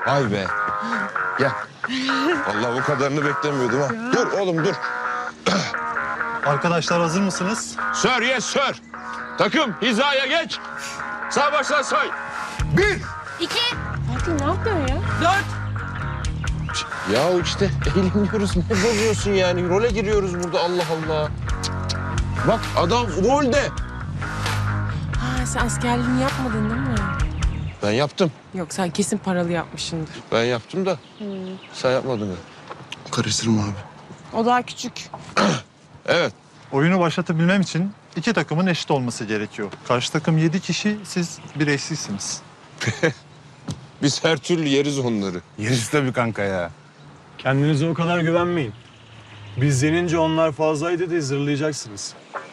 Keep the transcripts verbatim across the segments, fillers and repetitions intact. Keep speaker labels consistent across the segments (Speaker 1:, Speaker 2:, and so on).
Speaker 1: Vay be. Gel. Vallahi bu kadarını beklemiyordum ha. Dur oğlum dur.
Speaker 2: Arkadaşlar hazır mısınız?
Speaker 1: Sir, yes sir. Takım hizaya geç. Sağ baştan say. Bir.
Speaker 3: İki. Fatih ne yapıyorsun ya?
Speaker 1: Dört. Ya işte eğleniyoruz. Ne bozuyorsun yani? Role giriyoruz burada Allah Allah. Bak adam rolde.
Speaker 3: Ha sen askerliğini yapmadın değil mi?
Speaker 1: Ben yaptım.
Speaker 3: Yok sen kesin paralı yapmışsındır.
Speaker 1: Ben yaptım da. Sen yapmadın mı?
Speaker 4: Karıştırma abi.
Speaker 3: O daha küçük.
Speaker 1: Evet.
Speaker 2: Oyunu başlatabilmem için iki takımın eşit olması gerekiyor. Karşı takım yedi kişi, siz bir eşsizsiniz.
Speaker 1: Biz her türlü yeriz onları.
Speaker 4: Yeriz tabii kanka ya.
Speaker 5: Kendinize o kadar güvenmeyin. Biz yenince onlar fazlaydı diye zırlayacaksınız.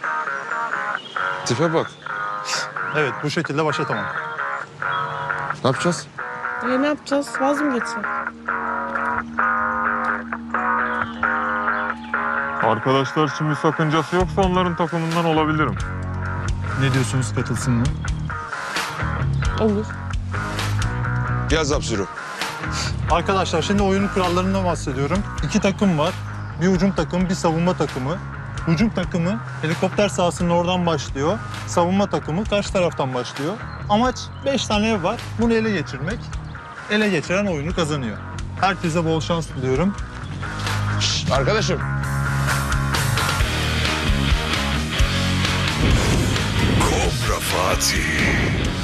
Speaker 1: Tipe bak.
Speaker 2: Evet, bu şekilde başlatamam.
Speaker 1: Ne yapacağız?
Speaker 3: E ne yapacağız? Vaz mı geçsek?
Speaker 6: Arkadaşlar için bir sakıncası yoksa onların takımından olabilirim.
Speaker 2: Ne diyorsunuz, katılsın mı?
Speaker 3: Olur.
Speaker 1: Yaz Absürü.
Speaker 2: Arkadaşlar şimdi oyunun kurallarından bahsediyorum. İki takım var. Bir hücum takımı, bir savunma takımı. Hücum takımı helikopter sahasının oradan başlıyor. Savunma takımı karşı taraftan başlıyor. Amaç beş tane ev var. Bunu ele geçirmek. Ele geçiren oyunu kazanıyor. Herkese bol şans diliyorum.
Speaker 1: Şşt, arkadaşım.
Speaker 7: Kobra Fatih.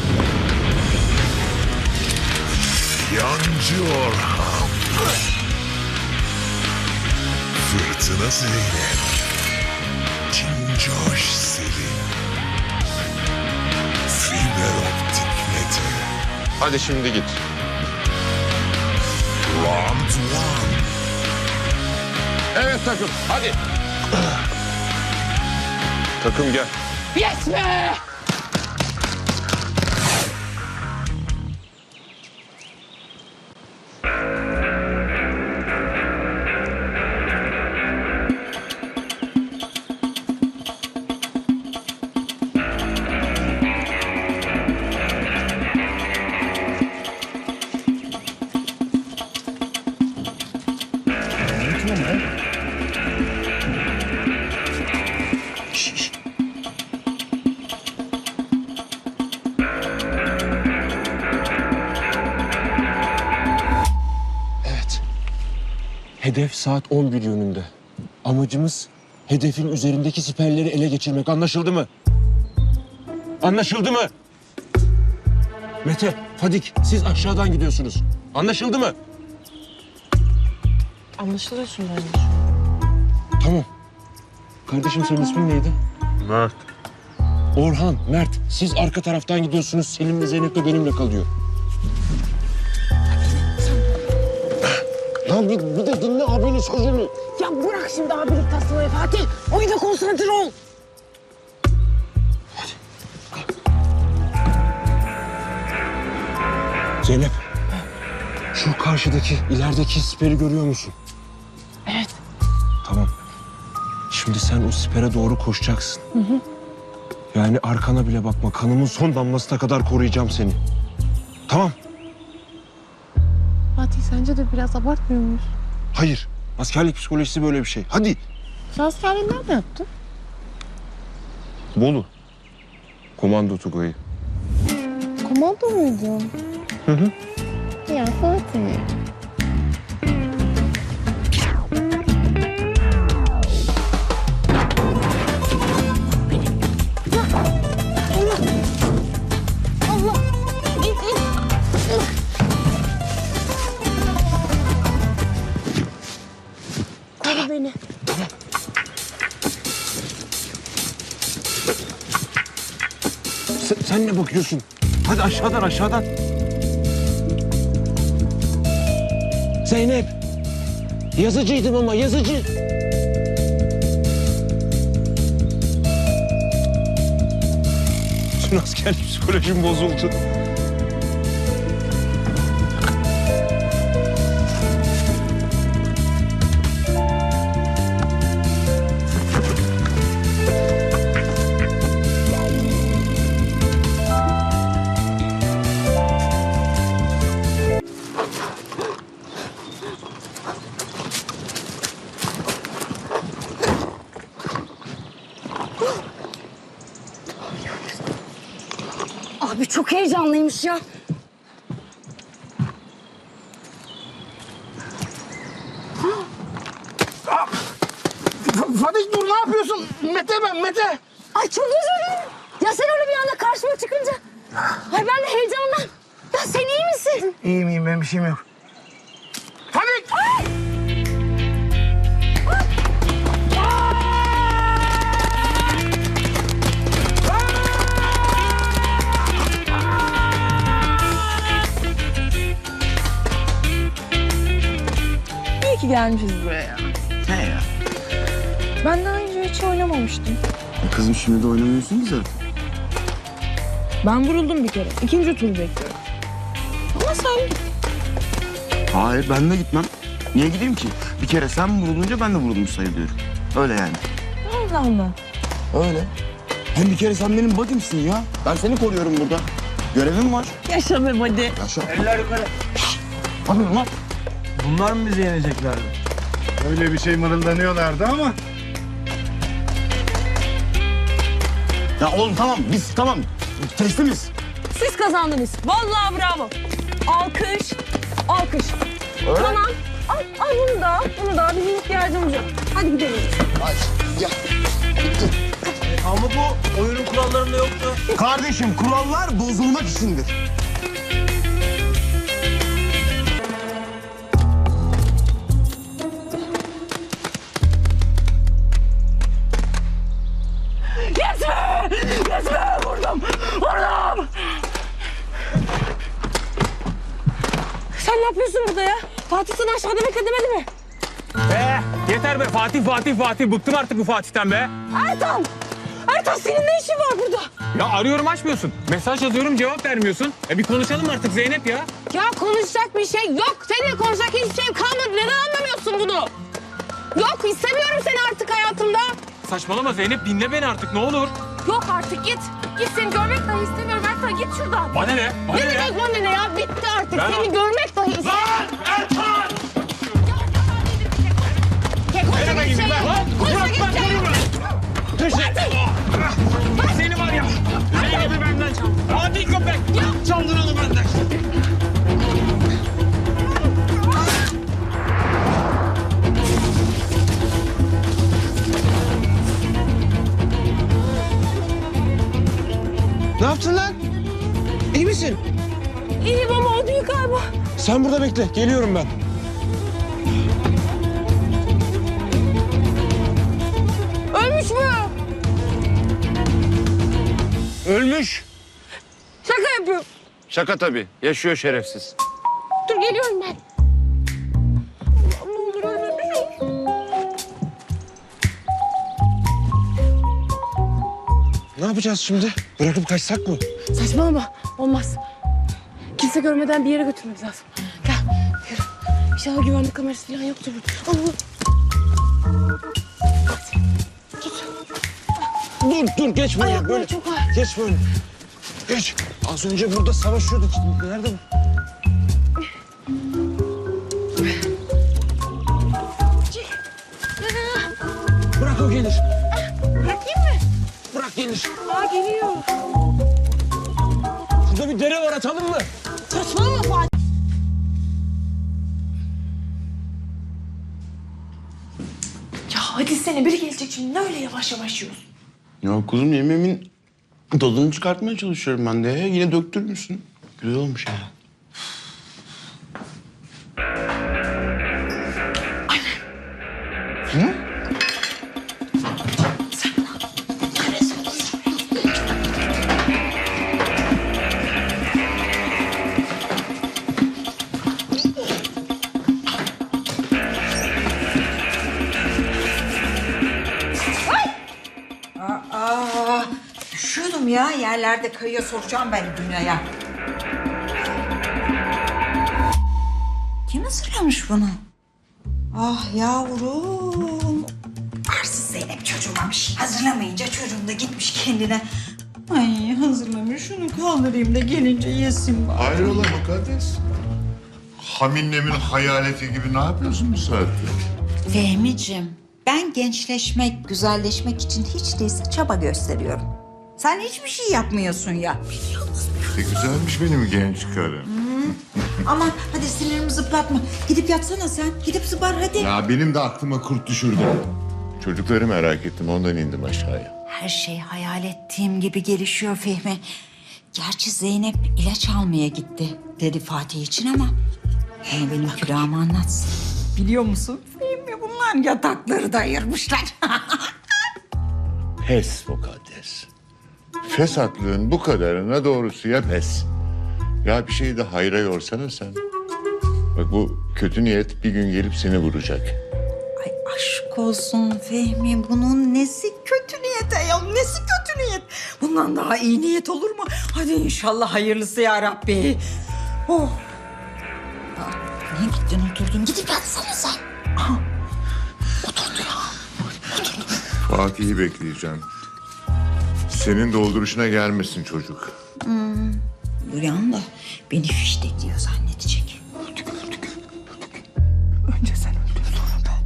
Speaker 7: Yancı Orhan. Fırtına Zeynep. Cincoş Selin. Fiber optik Mete.
Speaker 1: Hadi şimdi git.
Speaker 7: Round one.
Speaker 1: Evet takım hadi. Takım gel.
Speaker 3: Yes be!
Speaker 1: Evet. Hedef saat on bir yönünde. Amacımız hedefin üzerindeki siperleri ele geçirmek. Anlaşıldı mı? Anlaşıldı mı? Mete, Fadik siz aşağıdan gidiyorsunuz. Anlaşıldı mı?
Speaker 3: Anlaşılıyorsun bence.
Speaker 1: Tamam. Kardeşim senin ismin neydi?
Speaker 6: Mert.
Speaker 1: Orhan, Mert. Siz arka taraftan gidiyorsunuz. Selim'le Zeynep de benimle kalıyor. Lan bir, bir de dinle abinin sözünü.
Speaker 3: Ya bırak şimdi abilik taslamayı Fatih. Oyuna konsantre ol.
Speaker 1: Zeynep, şu karşıdaki, ilerideki siperi görüyor musun?
Speaker 3: Evet.
Speaker 1: Tamam. Şimdi sen o sipere doğru koşacaksın. Hı hı. Yani arkana bile bakma. Kanımın son damlasına kadar koruyacağım seni. Tamam.
Speaker 3: Fatih sence de biraz abartmıyor muyuz?
Speaker 1: Hayır. Askerlik psikolojisi böyle bir şey. Hadi.
Speaker 3: Sen askerliği nerede yaptın?
Speaker 1: Bolu. Komando Tugay'ı.
Speaker 3: Komando muydun?
Speaker 1: Hı hı.
Speaker 3: Ya Fatih. Koru beni.
Speaker 1: Sen, sen ne bakıyorsun? Hadi aşağıdan aşağıdan. Zeynep. Yazıcıydım ama yazıcı. Bütün askerlik psikolojim bozuldu.
Speaker 3: Abi çok heyecanlıymış ya.
Speaker 8: Fatih dur ne yapıyorsun? Mete ben Mete.
Speaker 3: Ay çok özür dilerim. Ya sen öyle bir anda karşıma çıkınca. Ay ben de heyecandan. Ya sen iyi misin?
Speaker 8: İyiyim iyiyim benim bir şeyim yok. Fatih!
Speaker 3: Ay!
Speaker 9: İyi ki gelmişiz buraya.
Speaker 4: Ne ya?
Speaker 9: Ben daha önce hiç oynamamıştım.
Speaker 4: E kızım şimdi de oynamıyorsun ki zaten.
Speaker 9: Ben vuruldum bir kere. İkinci tur bekliyorum. Ama sen...
Speaker 4: Hayır ben de gitmem. Niye gideyim ki? Bir kere sen vurulunca ben de vurulmuş sayılıyorum. Öyle yani.
Speaker 9: Allah Allah.
Speaker 4: Öyle. Hem bir kere sen benim budimsin ya. Ben seni koruyorum burada. Görevim var.
Speaker 9: Yaşa be hadi.
Speaker 4: Yaşa. Eller yukarı. Hadi lan.
Speaker 5: Bunlar mı bizi yeneceklerdi?
Speaker 2: Öyle bir şey mırıldanıyorlardı ama.
Speaker 4: Ya oğlum tamam biz tamam. Teslimiz.
Speaker 9: Siz kazandınız. Vallahi bravo. Alkış. Alkış.
Speaker 4: Öyle.
Speaker 9: Tamam. Al, al bunu da. Bunu da. Bizim ihtiyacımız yok. Hadi gidelim.
Speaker 5: Ama bu oyunun kurallarında yoktu.
Speaker 4: Kardeşim kurallar bozulmak içindir.
Speaker 9: Sen ne yapıyorsun burada ya? Fatih seni aşağıda beklemedi mi?
Speaker 1: Be yeter be Fatih Fatih Fatih. Bıktım artık bu Fatih'ten be.
Speaker 9: Ertan! Ertan senin ne işin var burada?
Speaker 1: Ya arıyorum açmıyorsun. Mesaj yazıyorum cevap vermiyorsun. E bir konuşalım artık Zeynep ya.
Speaker 9: Ya konuşacak bir şey yok. Seninle konuşacak hiçbir şey kalmadı. Neden anlamıyorsun bunu? Yok istemiyorum seni artık hayatımda.
Speaker 1: Saçmalama Zeynep dinle beni artık ne olur.
Speaker 9: Yok artık git. Git seni görmek dahi istemiyorum Ertan git şuradan.
Speaker 1: Bana ne? Bana
Speaker 9: Ne
Speaker 1: ne?
Speaker 9: demek bana ne ya? Bitti artık.
Speaker 1: Ben-
Speaker 9: Seni görmek dahi istemiyorum.
Speaker 1: Lan Ertan!
Speaker 9: Konuşacak
Speaker 1: Nereye
Speaker 9: hiçbir şey
Speaker 1: gideyim
Speaker 9: yok.
Speaker 1: ben?
Speaker 9: Konuşacak
Speaker 1: Bırak
Speaker 9: hiçbir şey yok.
Speaker 1: Seni var ya. Zeynep'i benden çaldın. Hadi köpek. Çaldın onu benden.
Speaker 8: Ne yaptın lan? İyi misin?
Speaker 9: İyiyim ama o değil galiba.
Speaker 1: Sen burada bekle. Geliyorum ben.
Speaker 9: Ölmüş mü?
Speaker 1: Ölmüş.
Speaker 9: Şaka yapıyorum.
Speaker 1: Şaka tabii. Yaşıyor şerefsiz.
Speaker 9: Dur geliyorum ben. Allah'ım ne olur ölmemiş olsun.
Speaker 1: Ne yapacağız şimdi? Bırakıp kaçsak mı?
Speaker 9: Saçmalama. Olmaz. Kimse görmeden bir yere götürmemiz lazım. Gel. Yürü. İnşallah güvenlik kamerası falan yoktur burada. Allah.
Speaker 1: Dur dur geçme. ya,
Speaker 9: Ayakları
Speaker 1: böyle.
Speaker 9: çok ağır.
Speaker 1: Geç böyle. Geç. Az önce burada savaşıyorduk. Nerede bu? Bırak o gelir.
Speaker 9: Bırakayım mı?
Speaker 1: Bırak gelir.
Speaker 9: Aa geliyor.
Speaker 1: Şurada bir dere var atalım mı?
Speaker 9: Saçmalama Fatih. Ya hadi sene biri gelecek şimdi. Ne öyle yavaş yavaş yiyorsun?
Speaker 4: Ya kuzum yemeğimin tadını çıkartmaya çalışıyorum ben de. Yine döktürmüşsün. Güzel olmuş ya. Anne. Hı?
Speaker 10: Aa, üşüyordum ya. Yerlerde kayıyor sokacağım ben dünyaya. Kim hazırlamış bunu? Ah yavrum. Arsız Zeynep çocuğumamış. Hazırlamayınca çocuğum da gitmiş kendine. Ay hazırlamış şunu kaldırayım da gelince yesin bari.
Speaker 7: Hayrola mukaddes? Haminlemin hayaleti gibi ne yapıyorsun bu saatte?
Speaker 10: Fehmiciğim Ben gençleşmek, güzelleşmek için hiç değilse çaba gösteriyorum. Sen hiçbir şey yapmıyorsun ya.
Speaker 7: Ne güzelmiş benim genç karım.
Speaker 10: Aman hadi sinirimi zıplatma. Gidip yatsana sen. Gidip zıbar hadi.
Speaker 7: Ya benim de aklıma kurt düşürdü. Çocukları merak ettim ondan indim aşağıya.
Speaker 10: Her şey hayal ettiğim gibi gelişiyor Fehmi. Gerçi Zeynep ilaç almaya gitti dedi Fatih için ama... ...onu benim külahıma anlatsın. Biliyor musun Fehmi bunlar yatakları da ayırmışlar.
Speaker 7: Pes mukaddes. Fesatlığın bu kadarına doğrusu ya pes. Ya bir şeyi de hayra yorsana sen. Bak bu kötü niyet bir gün gelip seni vuracak.
Speaker 10: Ay aşk olsun Fehmi bunun nesi kötü niyet ayol nesi kötü niyet. Bundan daha iyi niyet olur mu? Hadi inşallah hayırlısı ya Rabbi. Oh. Aa, niye gittin oturdun gidip yatsana sen. Aha. Oturdu ya. Oturdu.
Speaker 7: Fatih'i bekleyeceğim. Senin dolduruşuna gelmesin çocuk.
Speaker 10: Hmm. Uyan da beni fiştekliyor zannedecek. Önce sen öldün sonra ben.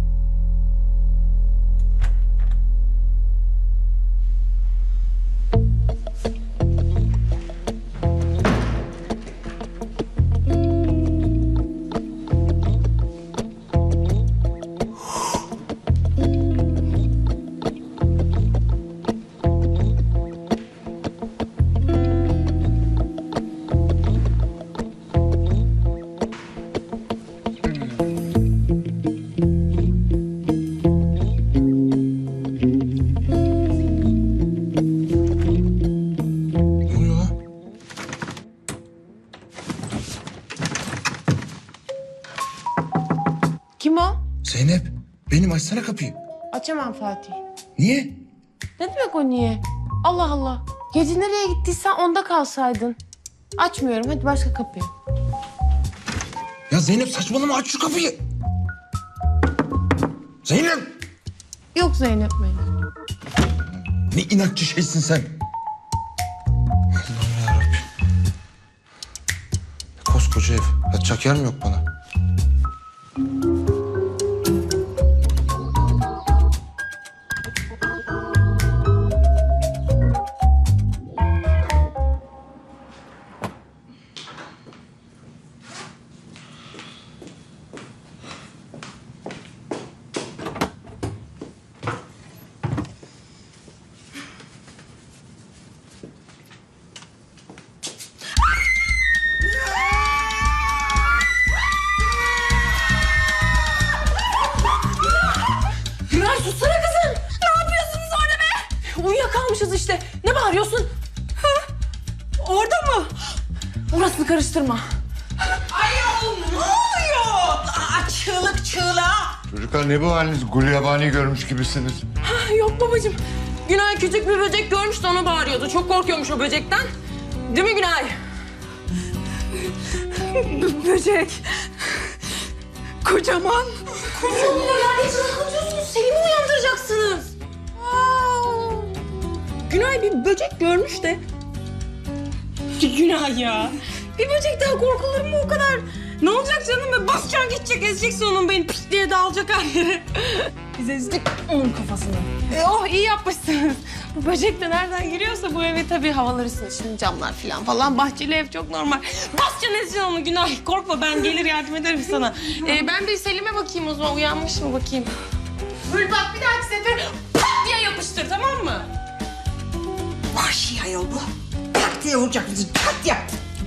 Speaker 8: Ne oluyor lan?
Speaker 9: Kim o?
Speaker 8: Zeynep, benim açsana kapıyı.
Speaker 9: Açamam Fatih.
Speaker 8: Niye?
Speaker 9: Ne demek o niye? Allah Allah. Gece nereye gittiysen onda kalsaydın. Açmıyorum. Hadi başka kapıyı.
Speaker 8: Ya Zeynep saçmalama, aç şu kapıyı. Zeynep!
Speaker 9: Yok Zeynep benim.
Speaker 8: Ne inatçı şeysin sen. Allah'ım yarabbim. Koskoca ev. Yatacak yer mi yok bana?
Speaker 9: Güray sussana kızım. Ne yapıyorsunuz orada be? Uyuyakalmışız işte. Ne bağırıyorsun? Ha? Orada mı? Orasını karıştırma.
Speaker 10: Ayol ne oluyor? Aa, çığlık çığlığa.
Speaker 7: Çocuklar ne bu haliniz? Gulyabani görmüş gibisiniz.
Speaker 9: Yok babacığım. Günay küçük bir böcek görmüş de ona bağırıyordu. Çok korkuyormuş o böcekten. Değil mi Günay? B- böcek. Kocaman. Kocaman. Ya hiç rahatlatıyorsunuz. Selim'i uyandıracaksınız. Aa. Günay bir böcek görmüş de. Günay ya. Bir böcekten korkulur mu o kadar? Ne olacak canım? Be? Basacaksın gidecek, ezeceksin onun beni pis diye dağılacak her yere. Biz ezdik onun kafasını. E, oh iyi yapmışsınız. Bu böcek de nereden giriyorsa bu eve tabii havalar ısınır. Şimdi camlar falan falan. Bahçeli ev çok normal. Basacaksın ezeceksin onu Günay. Korkma ben gelir yardım ederim sana. E, ben bir Selim'e bakayım o zaman. Uyanmış mı bakayım. Böyle bak bir dahaki sefer pat diye yapıştır tamam mı?
Speaker 10: Vahşi ayol bu. Tak diye vuracak bizi. Tak diye.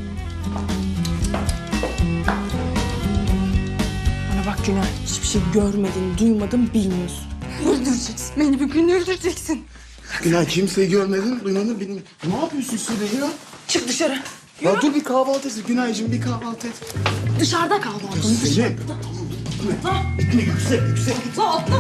Speaker 9: Bana bak Günay. Hiçbir şey görmedin, duymadın, bilmiyorsun. Öldüreceksin. Beni bir gün öldüreceksin.
Speaker 8: Günay kimseyi görmedin, duymadın, bilmiyorum. Ne yapıyorsun Sude ya?
Speaker 9: Çık dışarı.
Speaker 8: Ya dur bir kahvaltı et. Günaycığım bir kahvaltı et.
Speaker 9: Dışarıda kal balkonu.
Speaker 8: Zeynep. Gitme yüksek, yüksek.
Speaker 9: Atla atla.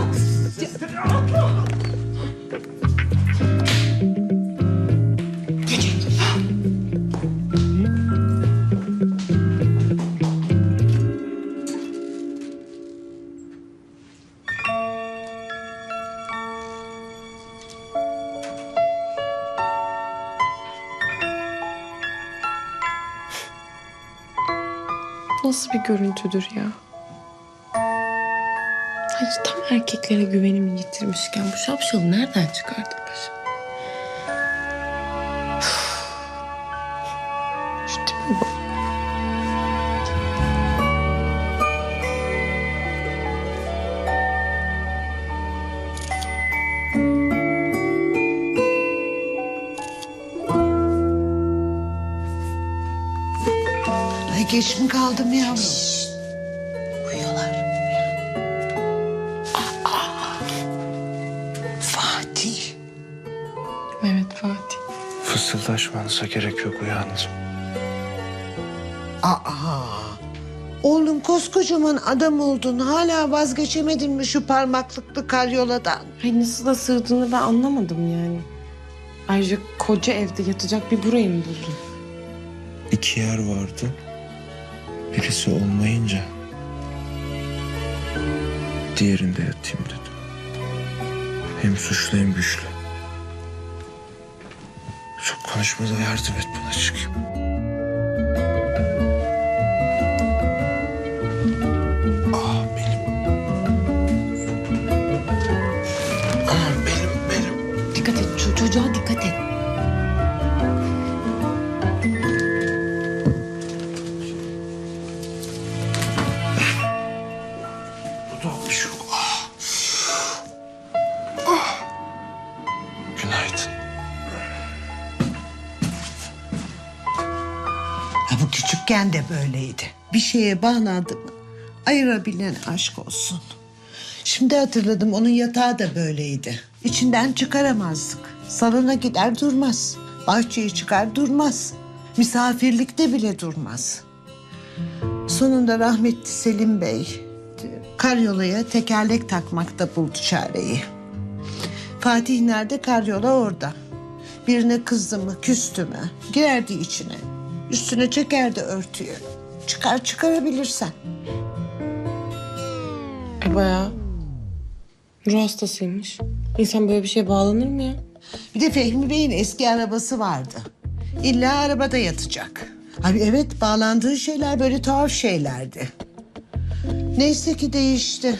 Speaker 9: Nasıl bir görüntüdür ya? Hayır tamam erkeklere güvenimi yitirmişken bu şapşalı nereden çıkardık başım? Şu tipe bak.
Speaker 11: Ay geç mi kaldım yavrum? Uyuyorlar. Aa, Fatih.
Speaker 9: Evet Fatih.
Speaker 1: Fısıldaşmanıza gerek yok, uyandım.
Speaker 11: Aa, oğlum koskocaman adam oldun. Hala vazgeçemedin mi şu parmaklıklı karyoladan?
Speaker 9: Ay nasıl da sığdığını ben anlamadım yani. Ayrıca koca evde yatacak bir burayı mı buldun?
Speaker 1: İki yer vardı. Birisi olmayınca diğerinde yatayım dedim. Hem suçlu hem güçlü. Çok konuşmada yardım et bana, çıkayım. Ah benim. Ah benim, benim.
Speaker 9: Dikkat et ço- çocuğa dikkat et.
Speaker 1: Bu da bir şey yok. Ah. Ah. Günaydın.
Speaker 11: Ha, bu küçükken de böyleydi. Bir şeye bağlandı mı ayırabilen aşk olsun. Şimdi hatırladım, onun yatağı da böyleydi. İçinden çıkaramazdık. Salona gider durmaz. Bahçeye çıkar durmaz. Misafirlikte bile durmaz. Sonunda rahmetli Selim Bey karyolaya tekerlek takmakta buldu çareyi. Fatih nerede? Karyola orada. Birine kızdı mı, küstü mü girerdi içine. Üstüne çekerdi örtüyü. Çıkar çıkarabilirsen.
Speaker 9: E bayağı ruh hastasıymış. İnsan böyle bir şeye bağlanır mı ya?
Speaker 11: Bir de Fehmi Bey'in eski arabası vardı. İlla arabada yatacak. Abi evet, bağlandığı şeyler böyle tuhaf şeylerdi. Neyse ki değişti.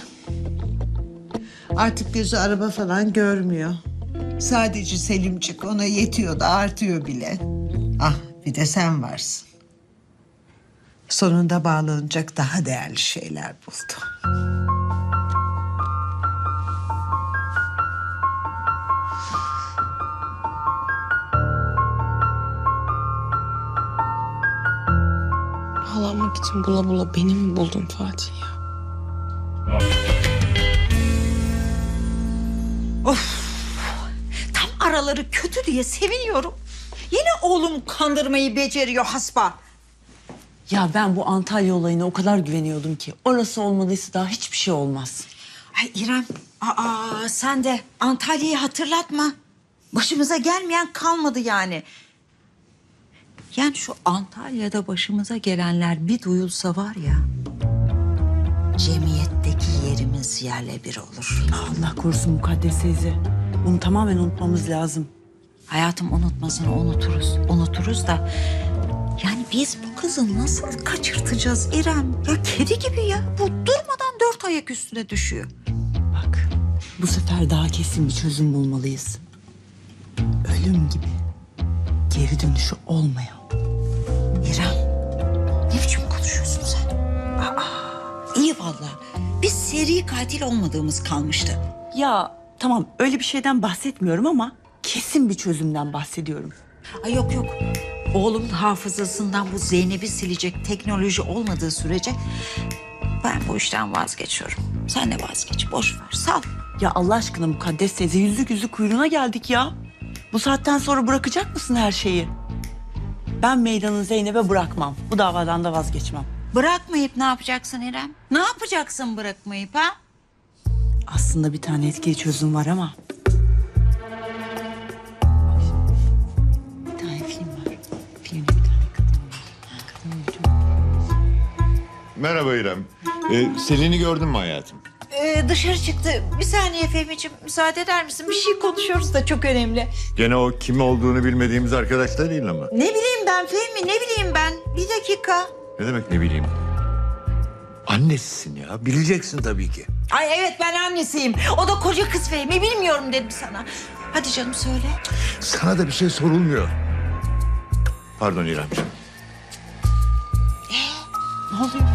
Speaker 11: Artık gözü araba falan görmüyor. Sadece Selimcik ona yetiyor da artıyor bile. Ah bir de sen varsın. Sonunda bağlanacak daha değerli şeyler buldu.
Speaker 9: Bağlanmak için bula bula beni mi buldun Fatih ya?
Speaker 10: Tam araları kötü diye seviniyorum. Yine oğlum kandırmayı beceriyor hasba.
Speaker 12: Ya ben bu Antalya olayına o kadar güveniyordum ki. Orası olmadıysa daha hiçbir şey olmaz.
Speaker 10: Ay İrem, aa sen de Antalya'yı hatırlatma. Başımıza gelmeyen kalmadı yani. Yani şu Antalya'da başımıza gelenler bir duyulsa var ya... cemiyetteki yerimiz yerle bir olur.
Speaker 12: Allah korusun Mukaddes teyze. Bunu tamamen unutmamız lazım.
Speaker 10: Hayatım unutmasını unuturuz, unuturuz da... Yani biz bu kızı nasıl kaçırtacağız İrem? Ya kedi gibi ya. Bu durmadan dört ayak üstüne düşüyor.
Speaker 12: Bak bu sefer daha kesin bir çözüm bulmalıyız. Ölüm gibi. Geri dönüşü olmayan.
Speaker 10: İrem, ne biçim konuşuyorsun sen? Aa, iyi vallahi. Biz seri katil olmadığımız kalmıştı.
Speaker 12: Ya tamam öyle bir şeyden bahsetmiyorum ama kesin bir çözümden bahsediyorum.
Speaker 10: Ay yok yok. Oğlumun hafızasından bu Zeynep'i silecek teknoloji olmadığı sürece ben bu işten vazgeçiyorum. Sen de vazgeç, boş ver, sal.
Speaker 12: Ya Allah aşkına Mukaddes teyze yüzlük yüzlük kuyruğuna geldik ya. Bu saatten sonra bırakacak mısın her şeyi? Ben meydanı Zeynep'e bırakmam. Bu davadan da vazgeçmem.
Speaker 10: Bırakmayıp ne yapacaksın İrem? Ne yapacaksın bırakmayıp ha?
Speaker 12: Aslında bir tane etkili çözüm var ama. Bir tane film var. Filmde bir tane kadın var. Kadın çok...
Speaker 7: Merhaba İrem. Ee, Selin'i gördün mü hayatım?
Speaker 10: Ee, dışarı çıktı. Bir saniye Fehmi'ciğim, müsaade eder misin? Bir şey konuşuyoruz da çok önemli.
Speaker 7: Gene o kim olduğunu bilmediğimiz arkadaşlar değil ama.
Speaker 10: Ne bileyim ben Fehmi, ne bileyim ben? Bir dakika.
Speaker 7: Ne demek ne bileyim?
Speaker 13: annesisin ya. Bileceksin tabii ki.
Speaker 10: Ay evet ben annesiyim. O da koca kız Fehmi bilmiyorum dedim sana. Hadi canım söyle.
Speaker 13: Sana da bir şey sorulmuyor. Pardon İremciğim.
Speaker 10: Ne oluyor?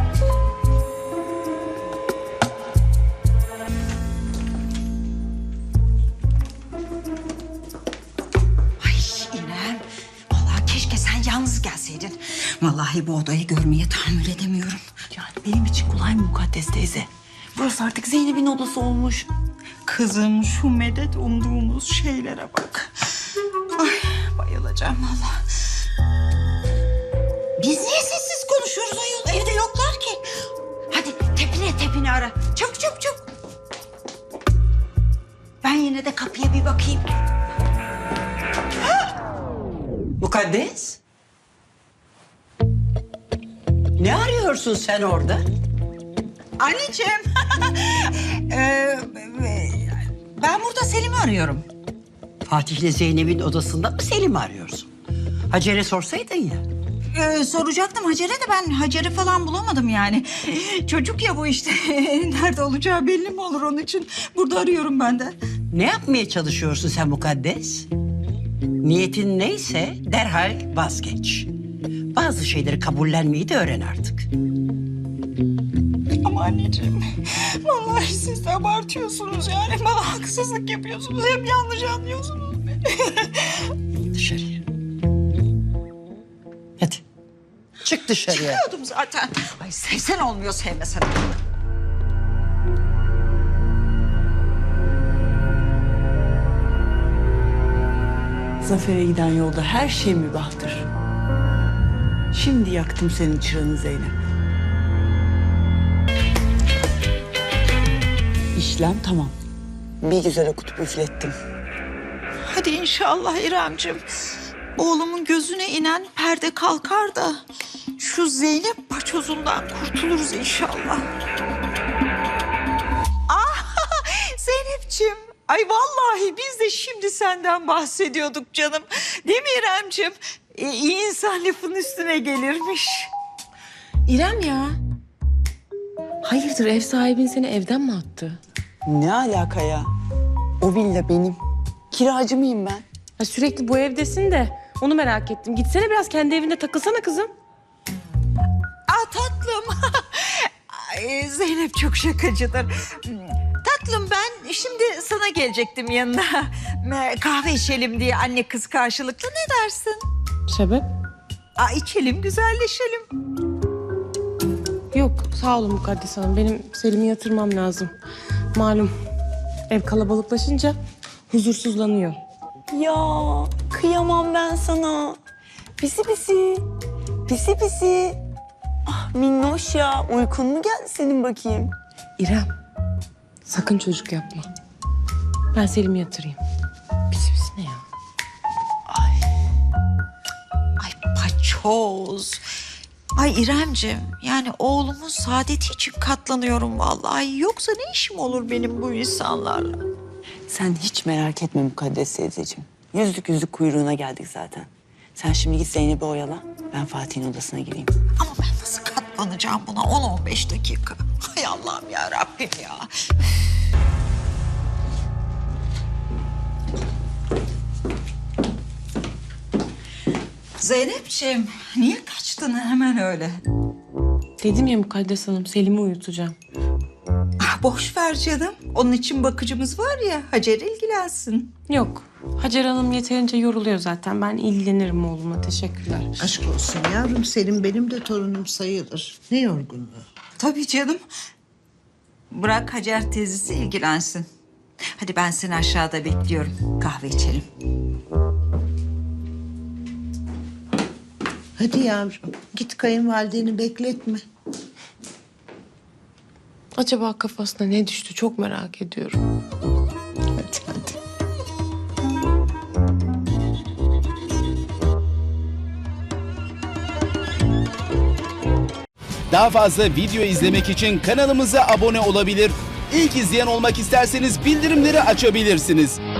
Speaker 10: Ay İrem. Vallahi keşke sen yalnız gelseydin. Vallahi bu odayı görmeye tahammül edemiyorum.
Speaker 12: Yani benim için kolay mı Mukaddes teyze? Burası artık Zeynep'in odası olmuş.
Speaker 10: Kızım şu medet umduğumuz şeylere bak. Ay bayılacağım vallahi. Biz niye sessiz konuşuyoruz ayol? Evde yoklar ki. Hadi tepine tepine ara. Çabuk çabuk çabuk. Ben yine de kapıya bir bakayım.
Speaker 14: Mukaddes? Ne arıyorsun sen orada?
Speaker 10: Anneciğim. ee, ben burada Selim'i arıyorum.
Speaker 14: Fatih ile Zeynep'in odasında mı Selim'i arıyorsun? Hacer'e sorsaydın ya.
Speaker 10: Ee, soracaktım Hacer'e de ben Hacer'i falan bulamadım yani. Çocuk ya bu işte. Nerede olacağı belli mi olur onun için? Burada arıyorum ben de.
Speaker 14: Ne yapmaya çalışıyorsun sen Mukaddes? Niyetin neyse derhal vazgeç. Bazı şeyleri kabullenmeyi de öğren artık.
Speaker 10: Ama anneciğim, vallahi siz de abartıyorsunuz yani. Bana haksızlık yapıyorsunuz. Hep yanlış anlıyorsunuz beni.
Speaker 14: Dışarıya. Hadi. Çık dışarıya.
Speaker 10: Çıkıyordum zaten. Ay sevsen olmuyor, sevmesen.
Speaker 12: Zafer'e giden yolda her şey mübahtır. Şimdi yaktım senin çırağını Zeynep. İşlem tamam. Bir güzel okutup üflettim.
Speaker 10: Hadi inşallah İremciğim. Oğlumun gözüne inen perde kalkar da şu Zeynep paçozundan kurtuluruz inşallah. Ah Zeynepciğim. Ay vallahi biz de şimdi senden bahsediyorduk canım. Değil mi İremciğim? Ee, iyi insan lafın üstüne gelirmiş.
Speaker 9: İrem ya. Hayırdır ev sahibin seni evden mi attı?
Speaker 12: Ne alaka ya? O villa benim. Kiracı mıyım ben?
Speaker 9: Ha, sürekli bu evdesin de onu merak ettim. Gitsene biraz kendi evinde takılsana kızım.
Speaker 10: Ah tatlım. Ay, Zeynep çok şakacıdır. Tatlım ben şimdi sana gelecektim yanına. Kahve içelim diye anne kız karşılıklı ne dersin?
Speaker 9: Sebep?
Speaker 10: Aa, içelim güzelleşelim.
Speaker 9: Yok sağ olun Mukaddes Hanım. Benim Selim'i yatırmam lazım. Malum ev kalabalıklaşınca huzursuzlanıyor.
Speaker 12: Ya kıyamam ben sana. Pisi pisi. Pisi pisi. Ah minnoş ya. Uykun mu geldi senin bakayım?
Speaker 9: İrem sakın çocuk yapma. Ben Selim'i yatırayım. Pisi pisi ne ya?
Speaker 10: Ay paçoz. Ay İremciğim yani oğlumun saadeti için katlanıyorum vallahi. Yoksa ne işim olur benim bu insanlarla?
Speaker 12: Sen hiç merak etme Mukaddes teyzeciğim. Yüzlük yüzlük kuyruğuna geldik zaten. Sen şimdi git Zeynep'i oyala. Ben Fatih'in odasına gireyim.
Speaker 10: Ama ben nasıl katlanacağım buna on on beş dakika? Hay Allah'ım ya Rabbim ya. Zeynepciğim niye kaçtın hemen öyle?
Speaker 9: Dedim ya Mukaddes Hanım Selim'i uyutacağım.
Speaker 10: Ah, boş ver canım. Onun için bakıcımız var ya Hacer ilgilensin.
Speaker 9: Yok Hacer Hanım yeterince yoruluyor zaten. Ben ilgilenirim oğluma. Teşekkürler.
Speaker 11: Aşk olsun yavrum, Selim benim de torunum sayılır. Ne yorgunluğu.
Speaker 10: Tabii canım. Bırak Hacer teyzesi ilgilensin. Hadi ben seni aşağıda bekliyorum. Kahve içelim.
Speaker 11: Hadi yavrum, git kayınvalideni bekletme.
Speaker 9: Acaba kafasına ne düştü çok merak ediyorum.
Speaker 11: Hadi hadi.
Speaker 15: Daha fazla video izlemek için kanalımıza abone olabilir. İlk izleyen olmak isterseniz bildirimleri açabilirsiniz.